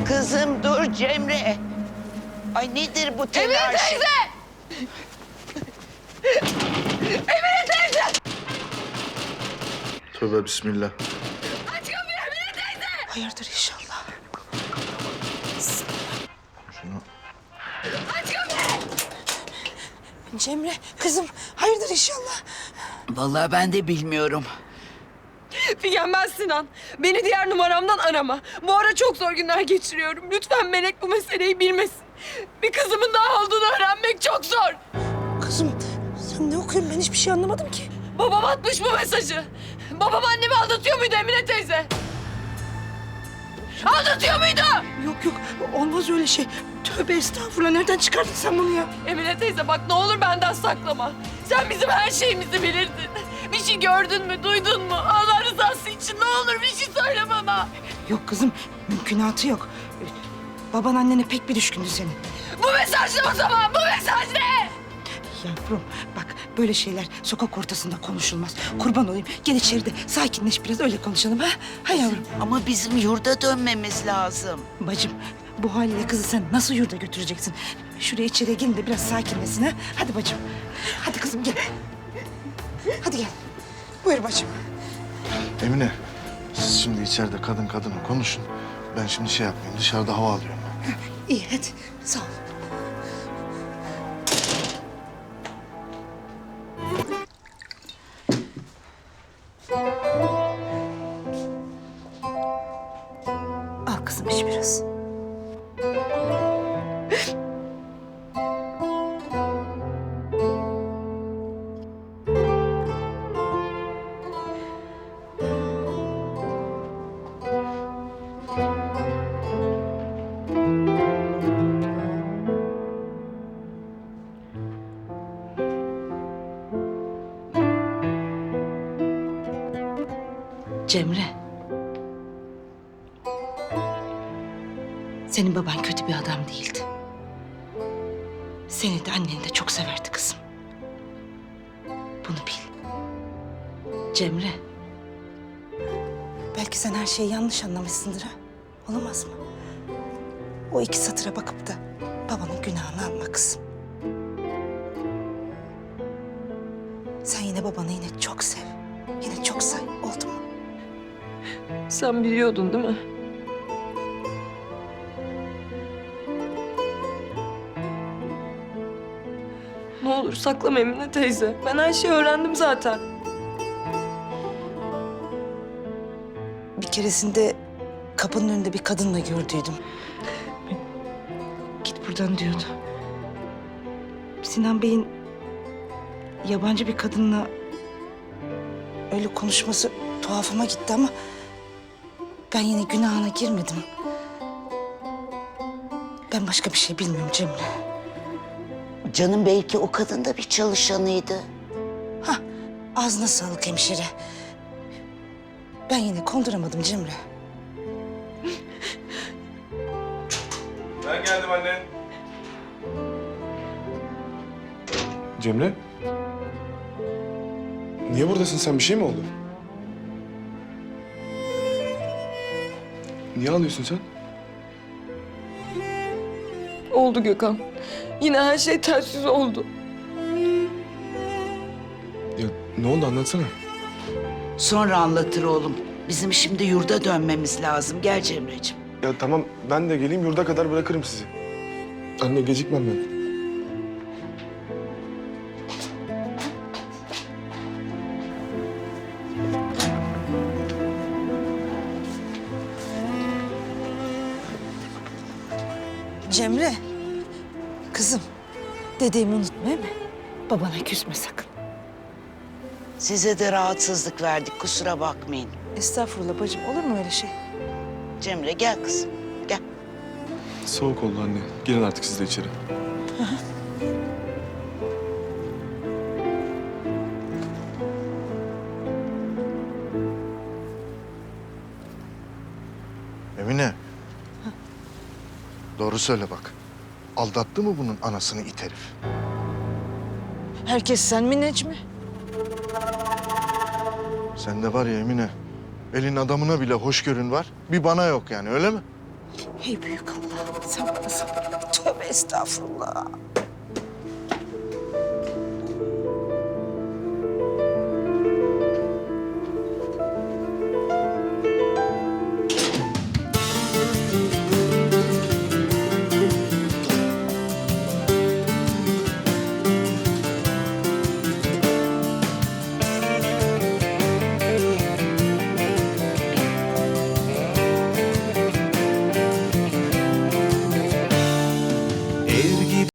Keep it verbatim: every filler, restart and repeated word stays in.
Kızım dur Cemre. Ay nedir bu telaş? Emine teyze! Emine teyze! Tövbe bismillah. Aç kapıyı Emine teyze! Hayırdır inşallah. Şunu... Aç kapıyı! Cemre kızım hayırdır inşallah. Vallahi ben de bilmiyorum. Figen ben Sinan. Beni diğer numaramdan arama. Bu ara çok zor günler geçiriyorum. Lütfen Melek bu meseleyi bilmesin. Bir kızımın daha olduğunu öğrenmek çok zor. Kızım sen ne okuyorsun ben hiçbir şey anlamadım ki. Babam atmış bu mesajı. Babam annemi aldatıyor muydu Emine teyze? Aldatıyor muydu? Yok yok olmaz öyle şey. Tövbe estağfurullah nereden çıkardın sen bunu ya? Emine teyze bak ne olur benden saklama. Sen bizim her şeyimizi bilirdin. Bir şey gördün mü, duydun mu? Allah rızası için ne olur bir şey söyle bana. Yok kızım mümkünatı yok. Baban annene pek bir düşkündü senin. Bu mesaj ne o zaman? Bu mesaj ne? Yavrum bak böyle şeyler sokak ortasında konuşulmaz. Kurban olayım gel içeride sakinleş biraz öyle konuşalım ha. Ha yavrum. Ama bizim yurda dönmemiz lazım. Bacım bu haliyle kızı sen nasıl yurda götüreceksin? Şuraya içeri gelin de biraz sakinlesin ha. Hadi bacım. Hadi kızım gel. Hadi gel. Buyur bacım. Emine, siz şimdi içeride kadın kadına konuşun. Ben şimdi şey yapmayayım, dışarıda hava alıyorum. İyi hadi sağ ol. Al kızım iç biraz. Cemre. Senin baban kötü bir adam değildi. Seni de anneni de çok severdi kızım. Bunu bil. Cemre. Belki sen her şeyi yanlış anlamışsındır ha. Olamaz mı? O iki satıra bakıp da babanın günahını alma kızım. Sen yine babanı yine çok sev. Yine çok say. Oldu mu? Sen biliyordun değil mi? Ne olur saklama Emine teyze. Ben her şeyi öğrendim zaten. Bir keresinde kapının önünde bir kadınla gördüydüm. Git buradan diyordu. Sinan Bey'in yabancı bir kadınla öyle konuşması tuhafıma gitti ama ben yine günahına girmedim. Ben başka bir şey bilmiyorum Cemre. Canım belki o kadın da bir çalışanıydı. Hah, ağzına sağlık hemşire. Ben yine konduramadım Cemre. Ben geldim anne. Cemre? Niye buradasın sen? Bir şey mi oldu? Niye ağlıyorsun sen? Oldu Gökhan. Yine her şey ters yüz oldu. Ya ne oldu anlatsana. Sonra anlatır oğlum. Bizim şimdi yurda dönmemiz lazım. Gel Cemre'ciğim. Ya tamam ben de geleyim yurda kadar bırakırım sizi. Anne gecikmem ben. Cemre, kızım dediğimi unutma değil mi? Babana küsme sakın. Size de rahatsızlık verdik. Kusura bakmayın. Estağfurullah bacım olur mu öyle şey? Cemre gel kızım. Gel. Soğuk oldu anne. Girin artık siz de içeri. Emine. Doğru söyle bak. Aldattı mı bunun anasını it herif? Herkes sen mi Necmi? Sende var ya Emine, elin adamına bile hoşgörün var. Bir bana yok yani öyle mi? Ey büyük Allah, sen bana sabır ver. Tövbe estağfurullah.